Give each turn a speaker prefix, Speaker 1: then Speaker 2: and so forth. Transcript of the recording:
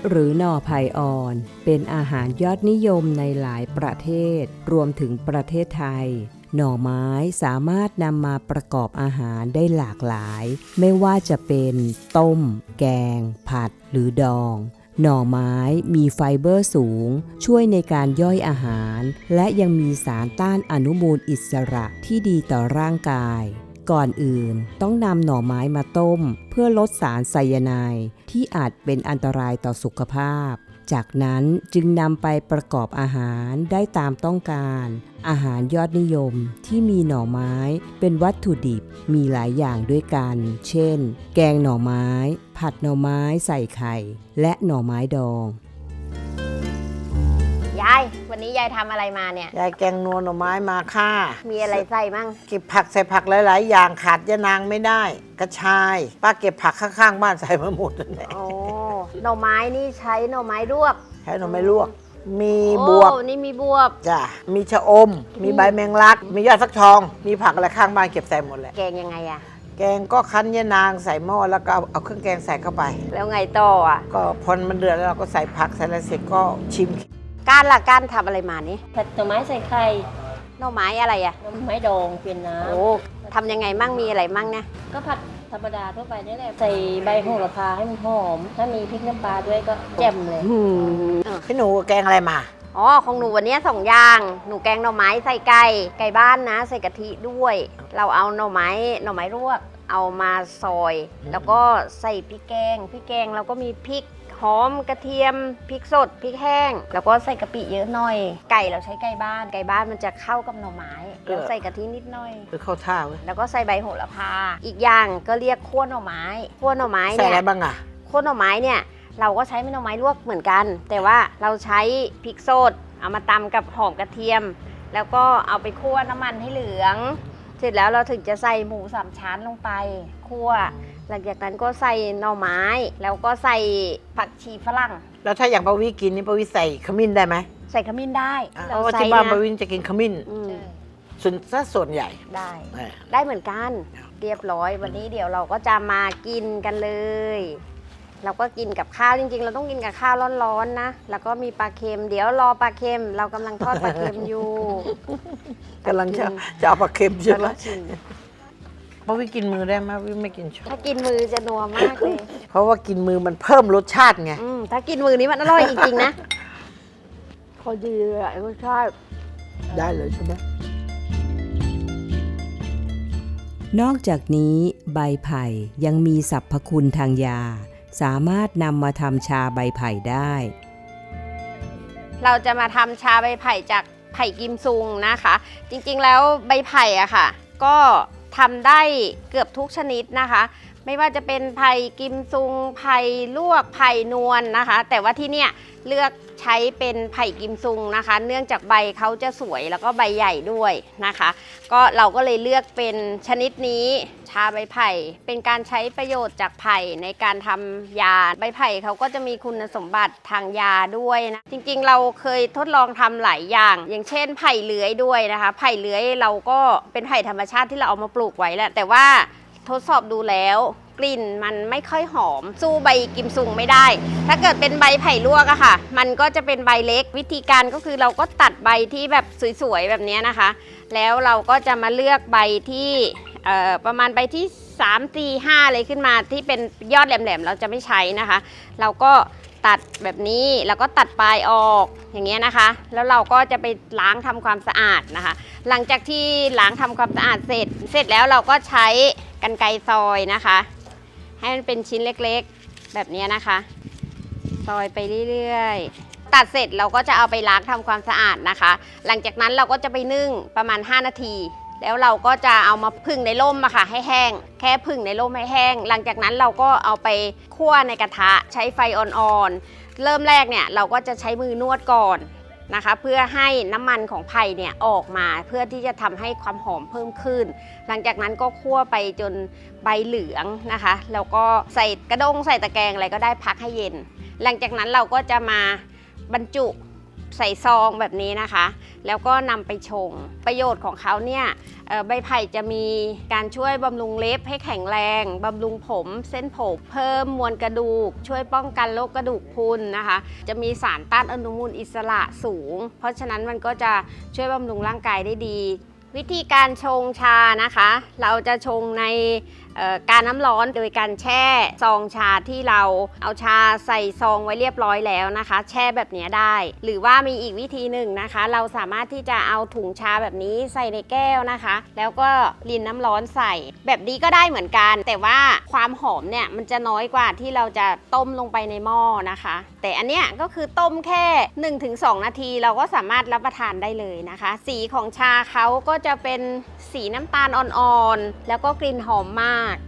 Speaker 1: หรือหน่อไผ่อ่อนเป็นอาหารยอดนิยมในหลายประเทศรวมถึงประเทศไทยหน่อไม้สามารถนำมาประกอบอาหารได้หลากหลายไม่ว่าจะเป็นต้มแกงผัดหรือดองหน่อไม้มีไฟเบอร์สูงช่วยในการย่อยอาหารและยังมีสารต้านอนุมูลอิสระที่ดีต่อร่างกายก่อนอื่นต้องนำหน่อไม้มาต้มเพื่อลดสารไซยาไนด์ที่อาจเป็นอันตรายต่อสุขภาพจากนั้นจึงนำไปประกอบอาหารได้ตามต้องการอาหารยอดนิยมที่มีหน่อไม้เป็นวัตถุดิบมีหลายอย่างด้วยกันเช่นแกงหน่อไม้ผัดหน่อไม้ใส่ไข่และหน่อไม้ดอง
Speaker 2: ยายวันนี้ยายทำอะไรมาเนี่ย
Speaker 3: ยายแกงนัวหน่อไม้มาค่ะ
Speaker 2: มีอะไรใส่มั่ง
Speaker 3: เก็บผักใส่ผักหลายๆอย่างขาดยะนางไม่ได้กระชายป้าเก็บผักข้างๆบ้านใส่มาหมดเลย
Speaker 2: โอ้หน่อไม้นี่ใช้หน่อไม้ลวก
Speaker 3: ใช้หน่อไม้ลวกมีบวบ
Speaker 2: นี่มีบวบ
Speaker 3: จ้ะมีชะอมมีใบแมงลักมียอดฟักทองมีผักอะไรข้างบ้านเก็บใส่หมดเลย
Speaker 2: แกงยังไงอะ
Speaker 3: แกงก็คั้นยะนางใส่หม้อแล้วก็เอาเครื่องแกงใส่เข้าไป
Speaker 2: แล้วไงต่ออ่ะ
Speaker 3: ก็พอมันเดือดแล้วเราก็ใส่ผักใส่อะไรเสร็จก็ชิม
Speaker 2: การทำอะไรมานี่
Speaker 4: ผัดหน่อไม้ใส่ไข่
Speaker 2: หน่อไม้อะไรอะ
Speaker 4: หน่อไม้ดองเป็นน้ำ
Speaker 2: โอ้ทำยังไงมั่งมีอะไรมั่งเนี่ย
Speaker 4: ก็ผัดธรรมดาทั่วไปนี่แหละใส่ใบโหระพาให้มันหอมถ้ามีพริกน้ำปลาด้วยก็แจ่มเลย
Speaker 3: พี่หนูแกงอะไรมา
Speaker 2: อ๋อของหนูวันนี้2 อย่างหนูแกงหน่อไม้ใส่ไก่บ้านนะใส่กะทิด้วยเราเอาหน่อไม้ลวกเอามาซอยแล้วก็ใส่พริกแกงแล้วก็มีพริกหอมกระเทียมพริกสดพริกแห้งแล้วก็ใส่กะปิเยอะหน่อยไก่เราใช้ไก่บ้านมันจะเข้ากับหน่อไม้แล้วใส่กะทินิดหน่อย
Speaker 3: คือเข้าท่าเว้ย
Speaker 2: แล้วก็ใส่ใบโหระพาอีกอย่างก็เรียกคั่วหน่อไม้
Speaker 3: ใส่อะไรบ้างอะ
Speaker 2: คั่วหน่อไม้เนี่ยเราก็ใช้หน่อไม้ลวกเหมือนกันแต่ว่าเราใช้พริกสดเอามาตำกับหอมกระเทียมแล้วก็เอาไปคั่วน้ำมันให้เหลืองเสร็จแล้วเราถึงจะใส่หมู3 ชั้นลงไปคั่วหลังจากนั้นก็ใส่หน่อไม้แล้วก็ใส่ผักชีฝรั่ง
Speaker 3: แล้วถ้าอย่างปาวิกินนี่ปาวิใส่ขมิ้นได้ไหม
Speaker 2: ใส่ขมิ้นได้
Speaker 3: เพราะว่าที่บ้านปาวิจะกินขมิ้นส่วนใหญ่
Speaker 2: ได้เหมือนกันเรียบร้อยวันนี้เดี๋ยวเราก็จะมากินกันเลยเราก็กินกับข้าวจริงๆเราต้องกินกับข้าวร้อนๆนะแล้วก็มีปลาเค็มเดี๋ยวรอปลาเค็มเรากำลังทอดปลาเค็มอยู่
Speaker 3: กำลังจะเอาปลาเค็มใช่ไหมเพราะวิกินมือได้ไหมวิไม่กินช้อน
Speaker 2: ถ้ากินมือจะนัวมากเลย
Speaker 3: เพราะว่ากินมือมันเพิ่มรสชาติไง
Speaker 2: ถ้ากินมือนี้มันอร่อยจริงๆนะพอดีเลยรสชาติ
Speaker 3: ได้เลยใช่ไหม
Speaker 1: นอกจากนี้ใบไผ่ยังมีสรรพคุณทางยาสามารถนำมาทำชาใบไผ่ได้
Speaker 2: เราจะมาทำชาใบไผ่จากไผ่กิมซุงนะคะจริงๆแล้วใบไผ่อะค่ะก็ทำได้เกือบทุกชนิดนะคะไม่ว่าจะเป็นไผ่กิมซุงไผ่ลวกไผ่นวลนะคะแต่ว่าที่เนี่ยเลือกใช้เป็นไผ่กิมซุงนะคะเนื่องจากใบเขาจะสวยแล้วก็ใบใหญ่ด้วยนะคะก็เราก็เลยเลือกเป็นชนิดนี้ชาใบไผ่เป็นการใช้ประโยชน์จากไผ่ในการทำยาใบไผ่เขาก็จะมีคุณสมบัติทางยาด้วยนะจริงๆเราเคยทดลองทำหลายอย่างอย่างเช่นไผ่เลื้อยด้วยนะคะไผ่เลื้อยเราก็เป็นไผ่ธรรมชาติที่เราเอามาปลูกไว้แหละแต่ว่าทดสอบดูแล้วกลิ่นมันไม่ค่อยหอมสู้ใบกิมซุงไม่ได้ถ้าเกิดเป็นใบไผ่ลวกอะค่ะมันก็จะเป็นใบเล็กวิธีการก็คือเราก็ตัดใบที่แบบสวยๆแบบนี้นะคะแล้วเราก็จะมาเลือกใบที่ประมาณใบที่3 4 5เลยขึ้นมาที่เป็นยอดแหลมๆเราจะไม่ใช้นะคะเราก็ตัดแบบนี้แล้วก็ตัดปลายออกอย่างเงี้ยนะคะแล้วเราก็จะไปล้างทำความสะอาดนะคะหลังจากที่ล้างทำความสะอาดเสร็จแล้วเราก็ใช้กรรไกรซอยนะคะให้มันเป็นชิ้นเล็กๆแบบนี้นะคะซอยไปเรื่อยๆตัดเสร็จเราก็จะเอาไปล้างทำความสะอาดนะคะหลังจากนั้นเราก็จะไปนึ่งประมาณ5 นาทีแล้วเราก็จะเอามาผึ่งในร่มอะค่ะให้แห้งแค่ผึ่งในร่มให้แห้งหลังจากนั้นเราก็เอาไปคั่วในกระทะใช้ไฟอ่อนๆเริ่มแรกเนี่ยเราก็จะใช้มือนวดก่อนนะคะเพื่อให้น้ำมันของไผ่เนี่ยออกมาเพื่อที่จะทำให้ความหอมเพิ่มขึ้นหลังจากนั้นก็คั่วไปจนใบเหลืองนะคะแล้วก็ใส่กระด้งใส่ตะแกรงอะไรก็ได้พักให้เย็นหลังจากนั้นเราก็จะมาบรรจุใส่ซองแบบนี้นะคะ แล้วก็นำไปชงประโยชน์ของเขาเนี่ยใบไผ่จะมีการช่วยบำรุงเล็บให้แข็งแรงบำรุงผมเส้นผมเพิ่มมวลกระดูกช่วยป้องกันโรคกระดูกพรุนนะคะจะมีสารต้านอนุมูลอิสระสูงเพราะฉะนั้นมันก็จะช่วยบำรุงร่างกายได้ดีวิธีการชงชานะคะเราจะชงในการน้ำร้อนโดยการแช่ซองชาที่เราเอาชาใส่ซองไว้เรียบร้อยแล้วนะคะแช่แบบนี้ได้หรือว่ามีอีกวิธีหนึ่งนะคะเราสามารถที่จะเอาถุงชาแบบนี้ใส่ในแก้วนะคะแล้วก็รินน้ำร้อนใส่แบบนี้ก็ได้เหมือนกันแต่ว่าความหอมเนี่ยมันจะน้อยกว่าที่เราจะต้มลงไปในหม้อนะคะแต่อันเนี้ยก็คือต้มแค่ 1-2 นาทีเราก็สามารถรับประทานได้เลยนะคะสีของชาเขาก็จะเป็นสีน้ำตาลอ่อนๆแล้วก็กลิ่นหอมมาก